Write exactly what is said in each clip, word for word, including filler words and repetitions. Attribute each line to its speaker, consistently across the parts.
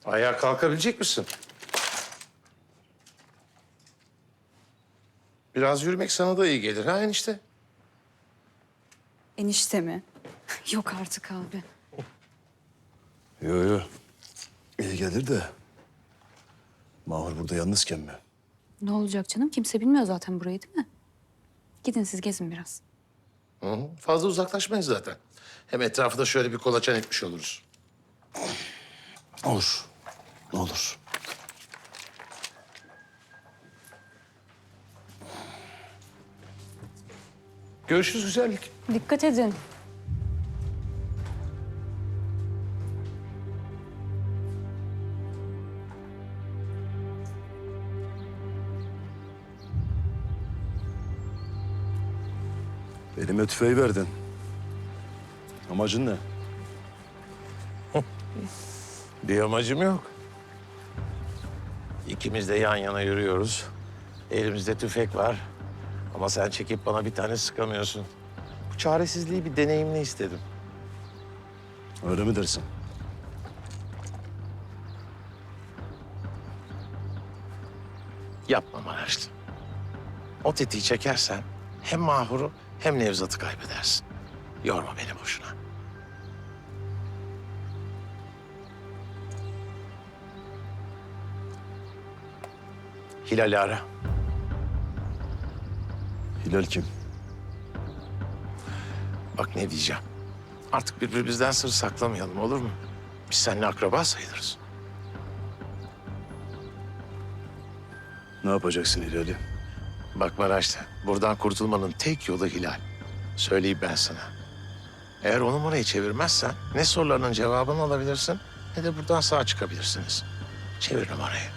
Speaker 1: Ayağa kalkabilecek misin? Biraz yürümek sana da iyi gelir ha enişte?
Speaker 2: Enişte mi? Yok artık abi.
Speaker 3: Yo yo. İyi gelir de. Mahur burada yalnızken mi?
Speaker 2: Ne olacak canım? Kimse bilmiyor zaten burayı, değil mi? Gidin siz gezin biraz.
Speaker 1: Hı hı. Fazla uzaklaşmayız zaten. Hem etrafı da şöyle bir kolaçan etmiş oluruz.
Speaker 3: Olur. Olur.
Speaker 1: Görüşürüz güzellik.
Speaker 2: Dikkat edin.
Speaker 3: Elime tüfeği verdin. Amacın ne?
Speaker 1: Bir amacım yok. İkimiz de yan yana yürüyoruz. Elimizde tüfek var. Ama sen çekip bana bir tane sıkamıyorsun. Bu çaresizliği bir deneyimle istedim.
Speaker 3: Öyle mi dersin?
Speaker 1: Yapma Maraşlı. O tetiği çekersen hem Mahur'u hem Nevzat'ı kaybedersin. Yorma beni boşuna. Hilal'i ara.
Speaker 3: Hilal kim?
Speaker 1: Bak ne diyeceğim. Artık birbirimizden sır saklamayalım olur mu? Biz seninle akraba sayılırız.
Speaker 3: Ne yapacaksın Hilal'i?
Speaker 1: Bak Maraşlı, buradan kurtulmanın tek yolu Hilal. Söyleyeyim ben sana. Eğer o numarayı çevirmezsen ne sorularının cevabını alabilirsin ne de buradan sağ çıkabilirsiniz. Çevir numarayı.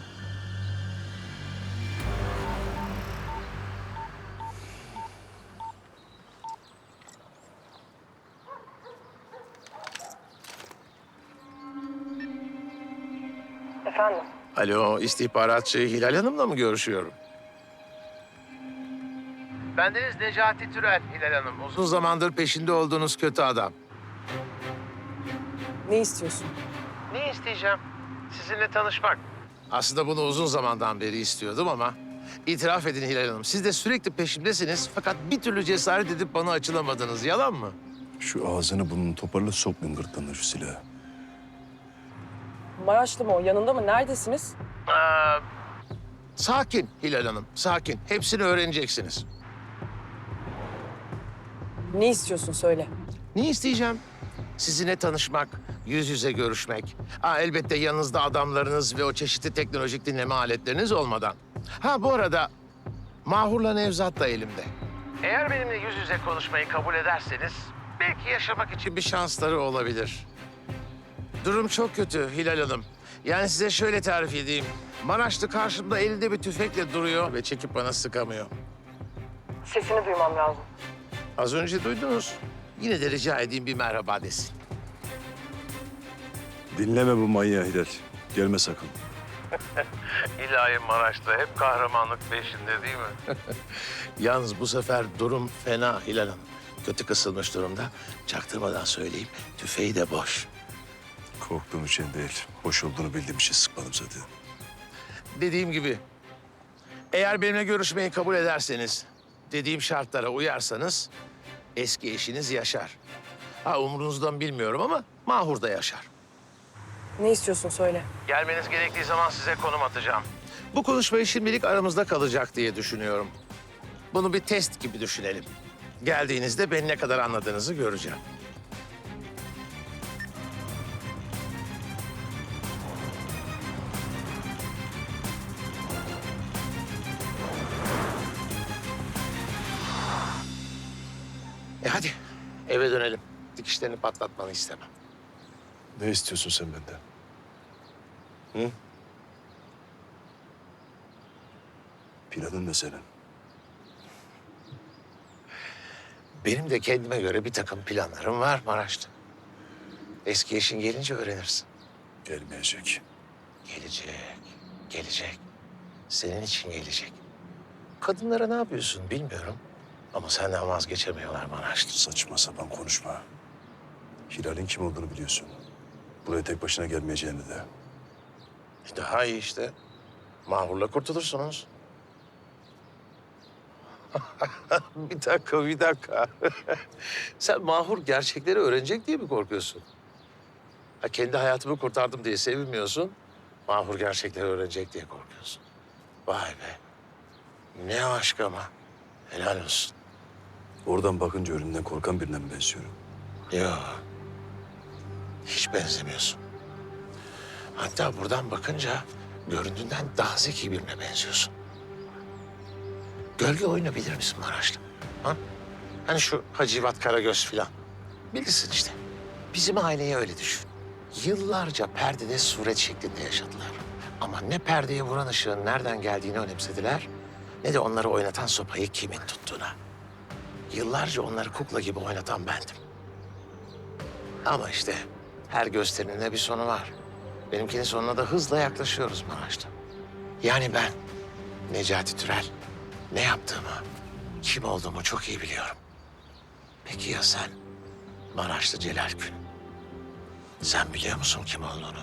Speaker 4: Efendim?
Speaker 1: Alo, istihbaratçı Hilal Hanım'la mı görüşüyorum? Bendeniz Necati Türel, Hilal Hanım. Uzun zamandır peşinde olduğunuz kötü adam.
Speaker 4: Ne istiyorsun?
Speaker 1: Ne isteyeceğim? Sizinle tanışmak. Aslında bunu uzun zamandan beri istiyordum ama... itiraf edin Hilal Hanım, siz de sürekli peşimdesiniz fakat bir türlü cesaret edip bana açılamadınız. Yalan mı?
Speaker 3: Şu ağzını burnunu toparla, sok gırtlağına şu silahı.
Speaker 4: Maraşlı mı o? Yanında mı? Neredesiniz?
Speaker 1: Ee, sakin Hilal Hanım, sakin. Hepsini öğreneceksiniz.
Speaker 4: Ne istiyorsun söyle.
Speaker 1: Ne isteyeceğim? Sizinle tanışmak, yüz yüze görüşmek. Ha, elbette yanınızda adamlarınız ve o çeşitli teknolojik dinleme aletleriniz olmadan. Ha bu arada Mahur'la Nevzat da elimde. Eğer benimle yüz yüze konuşmayı kabul ederseniz belki yaşamak için bir şansları olabilir. Durum çok kötü Hilal Hanım. Yani size şöyle tarif edeyim. Maraşlı karşımda elinde bir tüfekle duruyor ve çekip bana sıkamıyor.
Speaker 4: Sesini duymam lazım.
Speaker 1: Az önce duydunuz. Yine de rica edeyim bir merhaba desin.
Speaker 3: Dinleme bu manyağı Hilal. Gelme sakın.
Speaker 1: İlahi Maraş'ta hep kahramanlık peşinde değil mi? Yalnız bu sefer durum fena Hilal Hanım. Kötü kısılmış durumda. Çaktırmadan söyleyeyim, tüfeği de boş.
Speaker 3: Korktuğum için değil. Hoş olduğunu bildiğim için sıkmadım zaten.
Speaker 1: Dediğim gibi, eğer benimle görüşmeyi kabul ederseniz, dediğim şartlara uyarsanız eski eşiniz yaşar. Ha umurunuzdan bilmiyorum ama Mahur da yaşar.
Speaker 4: Ne istiyorsun söyle.
Speaker 1: Gelmeniz gerektiği zaman size konum atacağım. Bu konuşmayı şimdilik aramızda kalacak diye düşünüyorum. Bunu bir test gibi düşünelim. Geldiğinizde beni ne kadar anladığınızı göreceğim. E hadi eve dönelim. Dikişlerini patlatmanı istemem.
Speaker 3: Ne istiyorsun sen benden? Hı? Planın ne senin?
Speaker 1: Benim de kendime göre bir takım planlarım var Maraş'ta. Eski eşin gelince öğrenirsin.
Speaker 3: Gelmeyecek.
Speaker 1: Gelecek, gelecek. Senin için gelecek. Kadınlara ne yapıyorsun bilmiyorum. Ama senden vazgeçemiyorlar Maraşlı.
Speaker 3: Saçma sapan konuşma. Hilal'in kim olduğunu biliyorsun. Buraya tek başına gelmeyeceğini de.
Speaker 1: E daha iyi işte. Mahurla kurtulursunuz. Bir dakika, bir dakika. Sen Mahur gerçekleri öğrenecek diye mi korkuyorsun? Ha, kendi hayatımı kurtardım diye sevinmiyorsun. Mahur gerçekleri öğrenecek diye korkuyorsun. Vay be. Ne aşk ama. Helal olsun.
Speaker 3: Oradan bakınca ölümden korkan birine mi benziyorum?
Speaker 1: Yok. Hiç benzemiyorsun. Hatta buradan bakınca göründüğünden daha zeki birine benziyorsun. Gölge oyunu bilir misin Maraşlı? Ha? Hani şu Hacivat Karagöz filan. Bilirsin işte. Bizim aileyi öyle düşün. Yıllarca perdede suret şeklinde yaşadılar. Ama ne perdeye vuran ışığın nereden geldiğini önemsediler... ...ne de onları oynatan sopayı kimin tuttuğuna. Yıllarca onları kukla gibi oynatan bendim. Ama işte her gösterinin de bir sonu var. Benimkinin sonuna da hızla yaklaşıyoruz Maraş'ta. Yani ben Necati Türel ne yaptığımı, kim olduğumu çok iyi biliyorum. Peki ya sen Maraşlı Celal Gün? Sen biliyor musun kim olduğunu?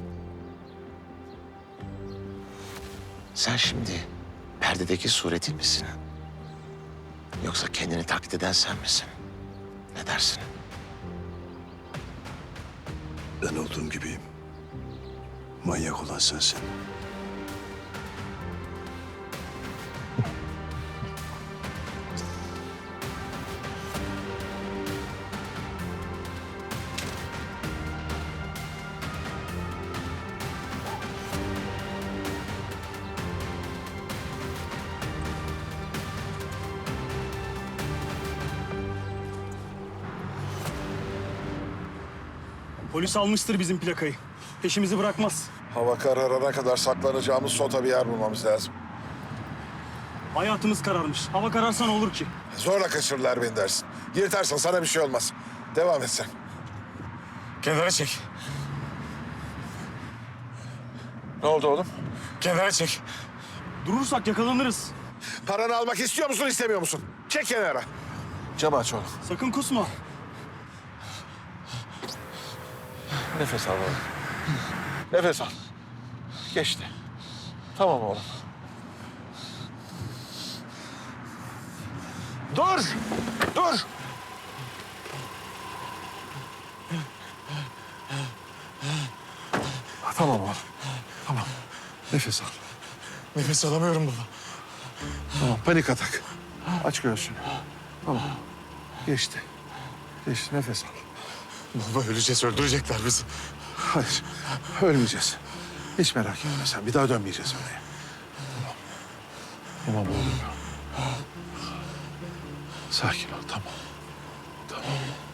Speaker 1: Sen şimdi perdedeki suretin misin? Yoksa kendini taklit eden sen misin? Ne dersin?
Speaker 3: Ben olduğum gibiyim. Manyak olan sensin.
Speaker 5: Polis almıştır bizim plakayı. Peşimizi bırakmaz.
Speaker 6: Hava kararana kadar saklanacağımız sota bir yer bulmamız lazım.
Speaker 5: Hayatımız kararmış. Hava kararsa ne olur ki?
Speaker 6: Zorla kaçırırlar beni dersin. Yırtarsan sana bir şey olmaz. Devam et sen.
Speaker 7: Kenara çek.
Speaker 6: Ne oldu oğlum?
Speaker 7: Kenara çek.
Speaker 5: Durursak yakalanırız.
Speaker 6: Paranı almak istiyor musun, istemiyor musun? Çek kenara. Camı aç oğlum.
Speaker 5: Sakın kusma.
Speaker 6: Nefes al oğlum. Nefes al. Geçti. Tamam oğlum. Dur! Dur! Tamam oğlum. Tamam. Nefes al.
Speaker 7: Nefes alamıyorum baba.
Speaker 6: Tamam, panik atak. Aç göğsünü. Tamam. Geçti. Geçti, nefes al.
Speaker 7: Baba öleceğiz, öldürecekler bizi.
Speaker 6: Hayır, ölmeyeceğiz. Hiç merak etme sen. Bir daha dönmeyeceğiz oraya. Tamam. Tamam oğlum. Sakin ol, tamam. Tamam.